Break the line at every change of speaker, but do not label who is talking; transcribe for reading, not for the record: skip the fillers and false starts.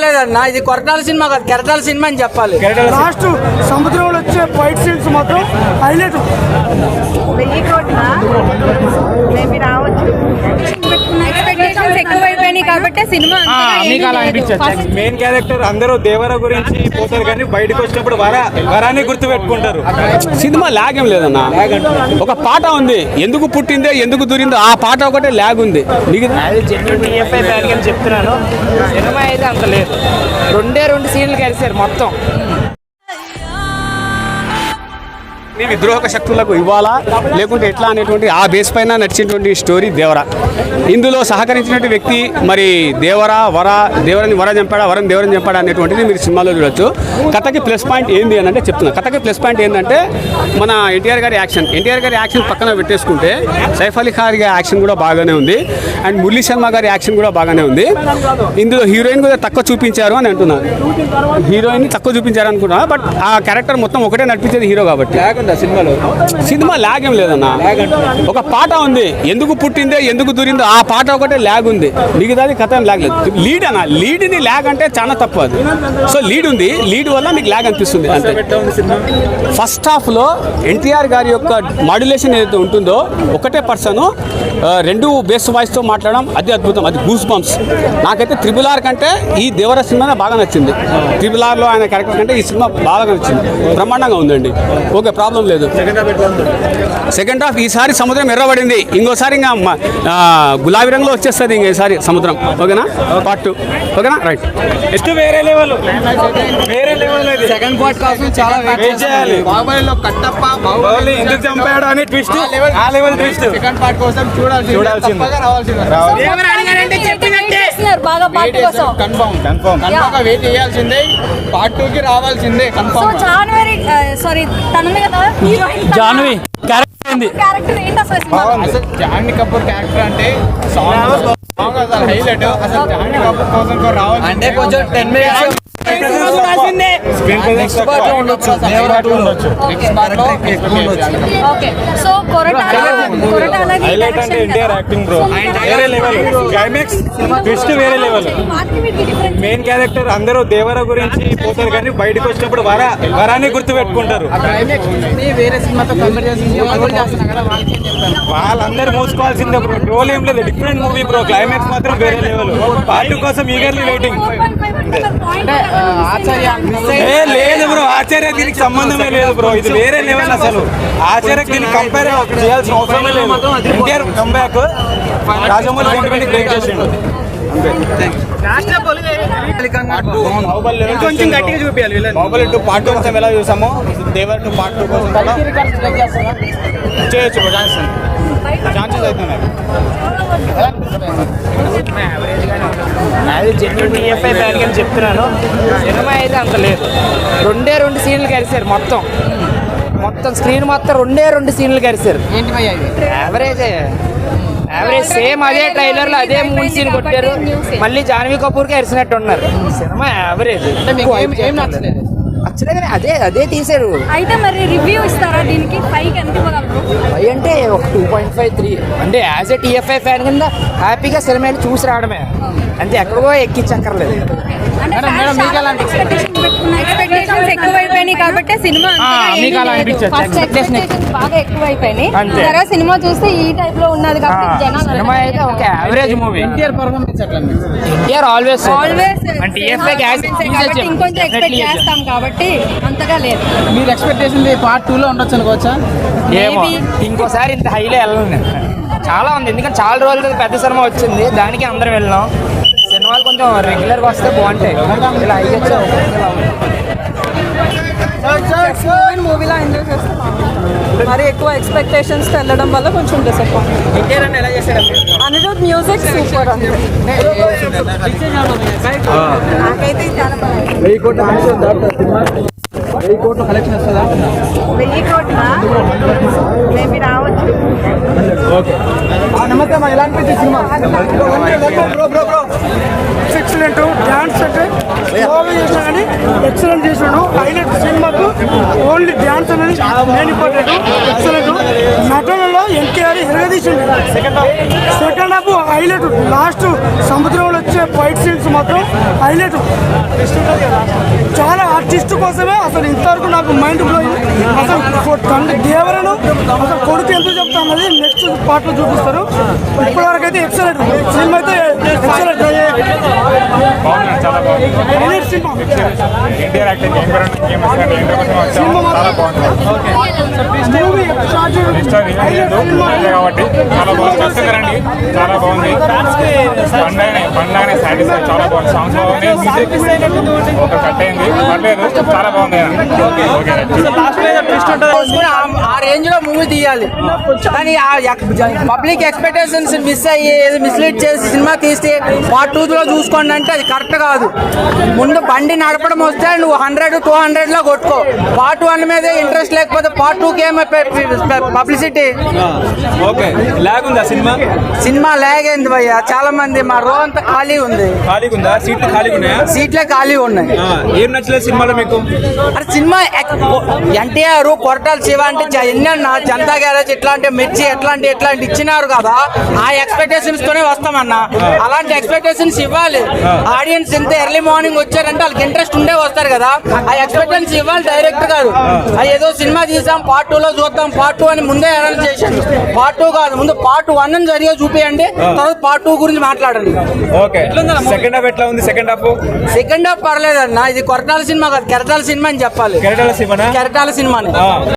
లేదన్నా, ఇది కొరటాల సినిమా కాదు, కెరటాల సినిమా అని చెప్పాలి.
లాస్ట్ సముద్రంలో వచ్చే ఫైట్ సీన్స్ మాత్రం హైలైట్.
1000 కోట్ల మేబీ రావచ్చు. ఎక్స్పెక్టేషన్స్ ఎక్కువైపోయినాయి కాబట్టి సినిమా
మెయిన్ క్యారెక్టర్ అందరూ దేవర గురించి పోతారు కానీ బయటకు వచ్చినప్పుడు వరాన్ని గుర్తు పెట్టుకుంటారు.
సినిమా లాగ్ ఏం లేదన్నా, ఒక పాట ఉంది, ఎందుకు పుట్టిందే ఎందుకు దూరిందో ఆ పాట ఒకటే లాగ్ ఉంది.
చెప్తున్నాను, సినిమా అయితే అంత లేదు. 2 సీన్లు కలిసారు మొత్తం.
విద్రోహక శక్తులకు ఇవ్వాలా లేకుంటే ఎట్లా అనేటువంటి ఆ బేస్ పైన నడిచినటువంటి స్టోరీ దేవర. ఇందులో సహకరించినటువంటి వ్యక్తి మరి దేవరని వర చంపాడా, వరం దేవరని చంపాడా అనేటువంటిది మీరు సినిమాలో చూడొచ్చు. కథకి ప్లస్ పాయింట్ ఏంది అని అంటే చెప్తున్నా. కథకి ప్లస్ పాయింట్ ఏంటంటే మన ఎన్టీఆర్ గారి యాక్షన్ పక్కన పెట్టేసుకుంటే సైఫ్ అలీ ఖాన్ గారి యాక్షన్ కూడా బాగానే ఉంది, అండ్ మురళీ శర్మ గారి యాక్షన్ కూడా బాగానే ఉంది. ఇందులో హీరోయిన్ కూడా తక్కువ చూపించారు అని అంటున్నాను, హీరోయిన్ తక్కువ చూపించారు అనుకున్నా. బట్ ఆ క్యారెక్టర్ మొత్తం ఒకటే నడిపించేది హీరో కాబట్టి సినిమా లాగ్ ఏం లేదన్నా, ఒక పాట ఉంది, ఎందుకు పుట్టిందే ఎందుకు దూరిందో ఆ పాట ఒకటే లాగ్ ఉంది, మిగతాది కథ లాగ్ లేదు. లీడ్ని లాగ్ అంటే చాలా తక్కువ అది. సో లీడ్ ఉంది, లీడ్ వల్ల మీకు లాగ్ అనిపిస్తుంది అంతే. ఫస్ట్ హాఫ్లో ఎన్టీఆర్ గారి యొక్క మాడ్యులేషన్ ఏదైతే ఉంటుందో ఒకటే పర్సన్ 2 బేస్ వాయిస్తో మాట్లాడడం అది అద్భుతం, అది గూస్ బంప్స్. నాకైతే RRR కంటే ఈ దేవర సినిమానే బాగా నచ్చింది. RRRలో ఆయన క్యారెక్టర్ కంటే ఈ సినిమా బాగా నచ్చింది, బ్రహ్మాండంగా ఉందండి. ఓకే, ప్రాబ్లం లేదు. సెకండ్ హాఫ్ ఈసారి సముద్రం ఎర్రబడింది, ఇంకోసారి ఇంకా గులాబీ రంగులో వచ్చేస్తుంది ఇంకోసారి సముద్రం. ఓకేనా, పార్ట్ 2. ఓకేనా, రైట్.
వేరే లెవెల్
సెకండ్ పార్ట్ కోసం చాలా వెయిట్ చేయాలి.
బాహుబలిలో కట్టప్ప బాహుబలి ఎందుకు చంపాడు అని ట్విస్ట్, ఆ లెవెల్ ట్విస్ట్ సెకండ్ పార్ట్ కోసం చూడాల్సిందే.
బాగా పార్ట్ కోసం
కన్ఫర్మ్ వెయిట్ చేయాల్సిందే. పార్ట్ 2 కి రావాల్సిందే కన్ఫర్మ్.
సారీ తనమే కదా హీరోయిన్
జాన్వి
క్యారెక్టర్ ఏంటి అసలు?
జాన్వీ కపూర్ క్యారెక్టర్ అంటే సాంగ్ అసలు హైలైట్. అసలు జాన్వీ కపూర్ కోసం రావాలి
అంటే కొంచెం 10 minutes
ఓకే. సో
హైలైట్ అంటే ఎన్టీఆర్ యాక్టింగ్ బ్రో వేరే లెవెల్, క్లైమాక్స్ ట్విస్ట్ వేరే లెవెల్. మెయిన్ క్యారెక్టర్ అందరూ దేవర గురించి పోతారు కానీ బయటకు వచ్చినప్పుడు వరాన్ని గుర్తు పెట్టుకుంటారు.
వేరే సినిమాతో కంపేర్ చేస్తున్నా కదా,
వాళ్ళందరూ మూసుకోవాల్సిందే బ్రో, రోల్ ఏం లేదు, డిఫరెంట్ మూవీ బ్రో. క్లైమాక్స్ మాత్రం వేరే లెవెల్. పార్ట్ 2 కోసం ఈగర్లీ వెయిటింగ్. లేదు బ్రో, ఆచార్య దీనికి సంబంధమే లేదు బ్రో, ఇది వేరే లెవెల్. అసలు ఆచార్యకి దీనికి కంపేర్ చేయాల్సిన అవసరమే లేదు. NTR comeback Rajamouli sentiment break చేసిండు. కొంచెం గట్టిగా చూపించాలి. బాహుబలి 2 పార్ట్ 2 కోసం ఎలా చూసామో దేవర్ 2 పార్ట్ 2 కోసం కూడా చేయొచ్చు. ఛాన్సెస్ అవుతున్నాయి.
అది జెన్యున్ టీఎఫ్ఐ ఫ్యాన్ అని చెప్తున్నాను, సినిమా అయితే అంత లేదు. 2 సీన్లు కలిసారు మొత్తం స్క్రీన్ మొత్తం 2 సీన్లు కలిసారు. యావరేజ్ సేమ్ అదే ట్రైలర్లో అదే 3 సీన్ కొట్టారు. మళ్ళీ జాన్వీ కపూర్కి అరిసినట్టు ఉన్నారు. సినిమా యావరేజ్ నచ్చలేదు, అదే తీసారు.
అయితే మరి రివ్యూ ఇస్తారా దీనికి? 5 ఎంత ఇవ్వగలరు?
5 అంటే ఒక 2.5, 3 అంటే యాజ్ ఎ టీఎఫ్ఐ ఫ్యాన్ కింద హ్యాపీగా సినిమాని చూసి రావడమే అంతే, ఎక్కడికో ఎక్కించక్కర్లేదు.
ఎక్స్పెక్టేషన్స్ ఎక్కువైపోయినాయి కాబట్టి సినిమా బాగా ఎక్కువైపోయినాయి. సరే సినిమా చూస్తే ఈ టైప్ లో ఉన్నది కాబట్టి జనాలు
సినిమా అయితే ఒక average movie. NTR performance always
ఇంకొంచెం ఎక్స్పెక్ట్ చేస్తాం కాబట్టి అంతగా లేదు.
మీరు ఎక్స్పెక్టేషన్ పార్ట్ 2 లో ఉండొచ్చు అనుకోవచ్చా? ఏమో, ఇంకోసారి ఇంత హైలో వెళ్ళను. చాలా ఉంది, ఎందుకంటే చాలా రోజులు పెద్ద సినిమా వచ్చింది, దానికి అందరం వెళ్ళాం. సినిమాలు కొంచెం రెగ్యులర్గా వస్తే బాగుంటాయి. ఇలా అయ్యొచ్చు
మూవీలా ఎంజాయ్ చేస్తాం. మరి ఎక్కువ ఎక్స్పెక్టేషన్స్తో వెళ్ళడం వల్ల కొంచెం డిసప్పాయింట్.
ఎన్టీఆర్ అని ఎలా చేశాడు?
అనిరుద్ మ్యూజిక్ సూపర్ అంతే. నాకైతే చాలా బాగుంది. 1000 కోట్ల మేబీ రావచ్చు.
నమస్తే అమ్మా, ఎలా అనిపించింది సినిమా? ఎక్సలెంట్ డాన్స్ అంటే బాగా చేసినా కానీ ఎక్సలెంట్ చేసినాడు. హైలైట్ సినిమాకు ఓన్లీ డాన్స్ అనేది మెయిన్ ఇంపార్టెంట్. ఎక్సలెంట్ నటనలో ఎన్టీఆర్ ఎరగదీసిండు. Second half highlight. లాస్ట్ సముద్రంలో వచ్చే ఫైట్ సీన్స్ మాత్రం హైలైట్. చాలా ఆర్టిస్ట్ కోసమే అసలు ఇంతవరకు నాకు మైండ్ బ్లోయింగ్. అసలు తండ్రి దేవరను అసలు కొడుకు ఎంత చెప్తా అన్నది నెక్స్ట్ పార్ట్ లో చూపిస్తారు. ఇప్పటివరకు అయితే ఎక్సలెంట్ సినిమా అయితే ఎక్సలెంట్. Highlight cinema. మూవీ
కాబట్టి చాలా బాగుంది. చాలా బాగుంది. పండగనే సాటిస్ఫై చాలా బాగుంది. సాంగ్స్ బాగుంది. ఒక కట్ అయింది పర్లేదు. చాలా బాగుంది.
ఆ రేంజ్ లో మూవీ తీయాలి కానీ పబ్లిక్ ఎక్స్పెక్టేషన్స్ మిస్ అయ్యి మిస్లీడ్ చేసి సినిమా తీస్తే పార్ట్ 2 లో చూసుకోండి అంటే అది కరెక్ట్ కాదు. ముందు బండి నడపడం వస్తే నువ్వు 100-200 లో కొట్టుకో. పార్ట్ 1 మీద ఇంట్రెస్ట్ లేకపోతే పార్ట్ 2కి ఏమో పబ్లిసిటీ.
ఓకే లాగ్ ఉందా సినిమా?
సినిమా లాగ్ అయింది భయ్య. చాలా మంది మా రో అంతా ఖాళీ ఉంది.
ఖాళీగా ఉందా? సీట్లు ఖాళీగా ఉన్నాయా?
సీట్లే ఖాళీ ఉన్నాయి.
ఏం నచ్చలేదు సినిమాలో మీకు?
అరే సినిమా ఎన్టీఆర్ కొరటాల శివ అంటే ఎన్నన్నా జనతా గ్యారేజ్ ఇట్లాంటి మిర్చి ఎట్లాంటి ఇచ్చినారు కదా. ఆ ఎక్స్పెక్టేషన్స్ తోనే వస్తామన్నా. అలాంటి ఎక్స్పెక్టేషన్స్ ఇవ్వాలి. ఆడియన్స్ ఎంత ఎర్లీ మార్నింగ్ వచ్చారంటే వాళ్ళకి ఇంట్రెస్ట్ ఉండే వస్తారు కదా. ఆ ఎక్స్పెక్టేషన్స్ ఇవ్వాలి డైరెక్ట్ గారు. ఏదో సినిమా తీసాం పార్ట్ 2 లో చూద్దాం పార్ట్ 2 అని ముందే అనౌన్స్ చేశారు. పార్ట్ 2 కాదు, ముందు పార్ట్ 1 అని సరిగా చూపియండి, తర్వాత పార్ట్ 2 గురించి మాట్లాడండి.
ఓకే సెకండ్ హాఫ్ ఎట్లా ఉంది? సెకండ్ హాఫ్
పర్లేదన్న. ఇది కొరటాల సినిమా కాదు, కెరటాల సినిమా అని చెప్పాలి.
కెరటాల సినిమా
కెరటాల సినిమాని